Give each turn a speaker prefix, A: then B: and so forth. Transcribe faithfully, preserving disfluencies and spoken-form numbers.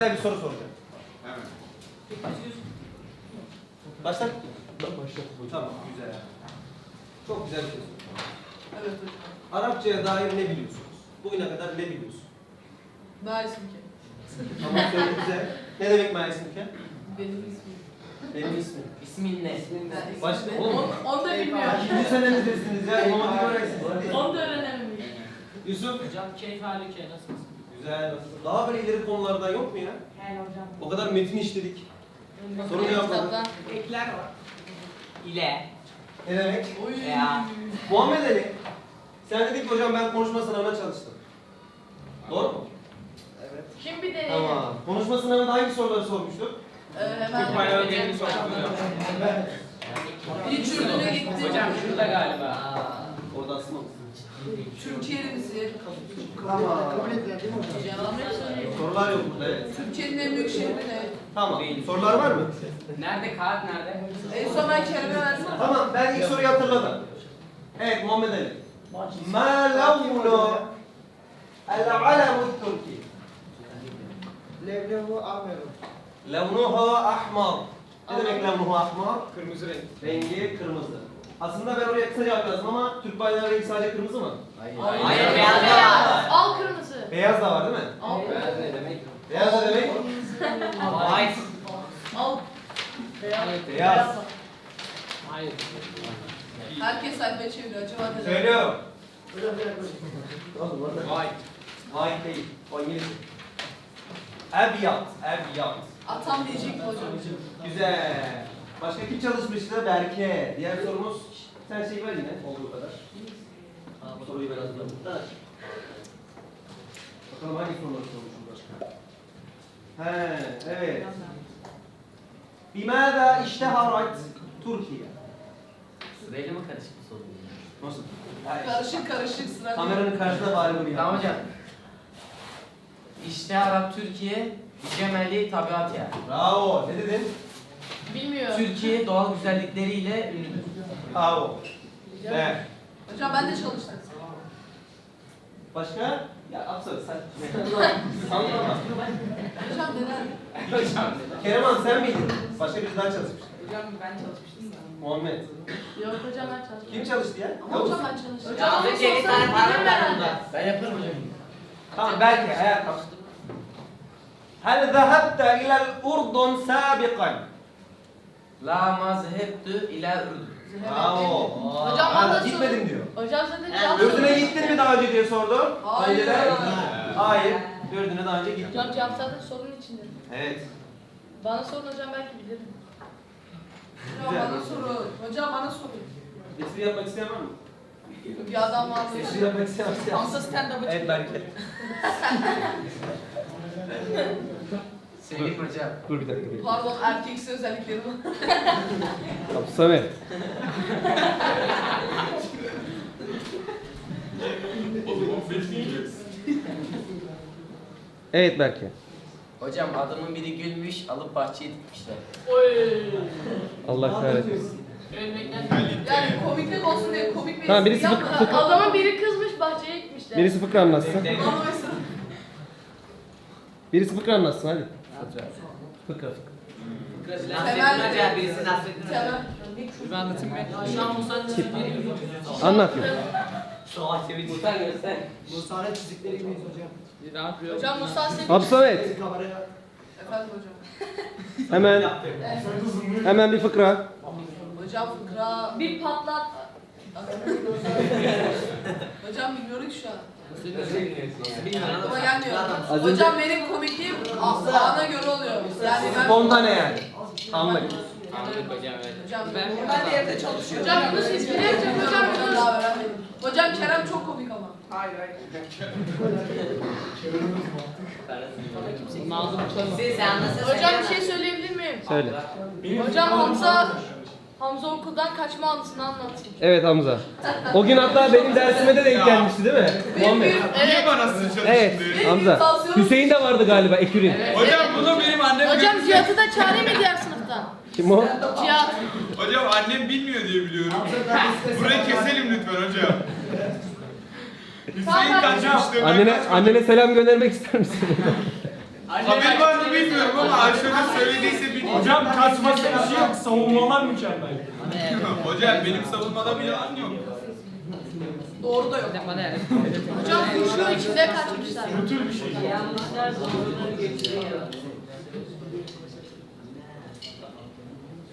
A: Bir soru soracağım.
B: Hemen.
A: Başlat. Başlat. Tamam, güzel. Çok güzel bir şey sordum.
C: Evet hocam.
A: Arapçaya dair ne biliyorsunuz? Bugüne kadar ne biliyorsun?
C: Maisim ki.
A: Ama söyle güzel. Ne demek maisimken?
C: Benim ismim.
A: Benim ismim.
D: İsmin ne?
C: Ben
A: Başka
C: ismim.
A: oğlum.
C: Onu, onu da bilmiyorum.
A: İkinci senemizesiniz ya. İmam Hatip öğrencisiniz.
C: Onu da öğrenememiş.
A: Yusuf.
D: Hocam keyif halike nasılsınız?
A: Güzel. Daha böyle ileri konulardan yok mu ya?
D: He hocam.
A: O kadar metin işledik. Sorun yapmadık.
D: Ekler var. İle.
A: Ne demek?
C: Oy.
D: Ya.
A: Muhammed Ali. Sen dedin ki hocam ben konuşma sınavına çalıştım. Doğru mu?
B: Evet.
C: Kim bir deneyim?
A: Tamam. Konuşma sınavında hangi soruları sormuştuk?
C: Ee, hemen.
B: Türk bayrağı gelini sordum hocam.
C: Bir çürüdüğüne gitti.
D: Hocam şurada galiba.
A: Orada asma mısın?
C: Türkiye'nin bizi.
A: Tamam.
C: Cevabı söyleyeyim.
A: Sorular yok burada, evet.
C: Türkiye'nin en büyük şehri ne?
A: Tamam. Sorular var mı?
D: Nerede? Kağıt nerede?
C: En son ben Kerem'e versem.
A: Tamam, ben ilk soruyu hatırladım. Evet, Muhammed Ali. Ma lavnu el-alemu Türki?
B: Levlehu ahmeru.
A: Lavnuhu ahmar. Ne demek lavnuhu ahmar?
B: Kırmızı renk.
A: Rengi kırmızı. Aslında ben oraya kısaca yazdım ama Türk bayrağının rengi sadece kırmızı mı?
C: Hayır.
D: Hayır, beyaz beyaz.
C: Al kırmızı.
A: Beyaz da var değil mi?
C: Al.
D: Beyaz ne demek?
A: Beyaz da demek?
D: White.
C: Al. Beyaz.
A: Beyaz.
D: Hayır.
C: Herkes sayfayı çeviriyor. Acaba ne?
A: Söylüyorum.
B: White.
A: White değil. O İngilizce. Ebiyat. Ebiyat.
C: Atam diyecek hocam.
A: Güzel. Başka kim çalışmıştı? Berke. Diğer sorumuz, sen şey ver yine olduğu kadar. Bu soruyu ben hazırladım. Bakalım hangi soruları sormuşum başka? He, evet. Bimâzâ işteharat Türkiye?
D: Sırayla mı karışık bir soru?
A: Nasıl? Hayır.
C: Karışık karışık sıra.
A: Kameranın karşısında bari bunu yap.
D: Tamam hocam. İşte Arap Türkiye, Cemeli tabiat yer.
A: Bravo. Ne dedin?
C: Bilmiyorum.
D: Türkiye doğal güzellikleriyle ünlüdür.
A: Bravo. Güzel.
C: Hocam ben de çalıştım.
A: Başka? Ya Absar sen. Anlama.
C: Hocam neden?
D: Hocam.
A: Kerem sen miydin? Başka birisi daha çalışmış.
C: Hocam ben çalışmıştım.
A: Muhammed.
C: Yok hocam ben çalıştım.
A: Kim çalıştı ya?
C: Ama hocam ben çalıştım.
D: Ya az önce bir tane para verdim da. Ben yaparım hocam.
A: Tamam belki hayal kapsın. هل ذهبت إلى الأردن سابقا؟
D: La mazhebtü ila Ürdün.
A: Bravo.
C: Hocam ben
A: Hala
C: de
A: gitmedim diyor.
C: Hocam zaten
D: Evet.
C: cevap
A: Ürdün'e gittin mi daha önce diye sordu.
C: Hayır.
A: Önceden? Hayır. Ürdün'e daha önce gittim.
C: Hocam cevap zaten sorunun içinde.
A: Evet.
C: Bana sorun hocam belki bilirim. Hocam
A: Güzel.
C: bana sorun. Hocam bana sorun.
A: Espri yapmak isteyen var mı?
C: Bir adam var.
A: Espri yapmak isteyen var mı?
C: Hamza stand-up'ı
A: Evet belki.
D: Selim hocam.
A: Dur bir dakika.
C: Pardon erkeksi özellikleri var.
A: Samet. Evet Berke.
D: Hocam adamın biri gülmüş, alıp bahçeye dikmişler.
C: Oy.
A: Allah kahretsin.
C: Yani komiklik olsun diye komik bir
A: Tamam,
C: espri
A: birisi
C: yapma.
A: fıkra- fıkra-
C: Adamın biri kızmış bahçeye gitmişler.
A: Birisi fıkra anlatsın.
C: Bana mesela.
A: Birisi fıkra anlatsın hadi. Fıkra fıkra.
C: Temel-
D: Hocam birisi Nasrettin Hoca.
C: Temel.
D: Ben anlatayım ben. Şu an Musa'nın çizgileri gibi.
A: Anlat ya.
D: Savaş çevik. Musa göster.
B: Musa'nın çizikleri gibiyiz hocam.
D: Ne yapıyor?
C: Hocam Musa Sevinç.
A: Absamet.
B: Kameraya.
C: Efendim hocam.
A: Hemen
C: Evet.
A: hemen bir fıkra.
C: Hocam fıkra. Bir patlat. Hocam bilmiyorum ki şu an. Aklıma gelmiyor.
A: Az önce-
C: Hocam benim komikliğim a- ana göre oluyor. Yani ben...
A: Spontane yani. Anlık.
D: Anladık hocam evet.
C: Hocam ben normalde evde çalışıyorum. Hocam bunu siz bilecek hocam. Hocam daha öğrenmedim. Hocam Kerem çok komik ama.
B: Hayır hayır.
D: Siz anlasın.
E: Hocam bir şey söyleyebilir miyim?
A: Söyle.
E: Hocam Hamza Hamza okuldan kaçma anısını anlatayım.
A: Evet Hamza. O gün hatta benim dersime de denk gelmişti değil mi? Muhammed.
E: Evet.
A: Evet Hamza. Hüseyin de vardı galiba Ekür'ün.
F: Hocam bunu benim annem
E: Hocam Cihat'ı da çağırayım mı diğer sınıftan?
A: Kim o?
E: Cihat.
F: Hocam annem bilmiyor diye biliyorum. Burayı keselim lütfen hocam. Hüseyin kaçmıştı.
A: Annene annene selam göndermek ister misin?
F: Haber var mı bilmiyorum ama Ayşe'nin söylediyse bilmiyorum.
G: Hocam kaçması bir şey yok. Savunmalar mükemmel.
F: Hocam benim savunmada bir yalan yok.
C: Doğru da yok.
E: Hocam kuşun içinde kaçmışlar.
G: Bu tür bir şey.
H: Yanlışlar sonuçları getiriyor.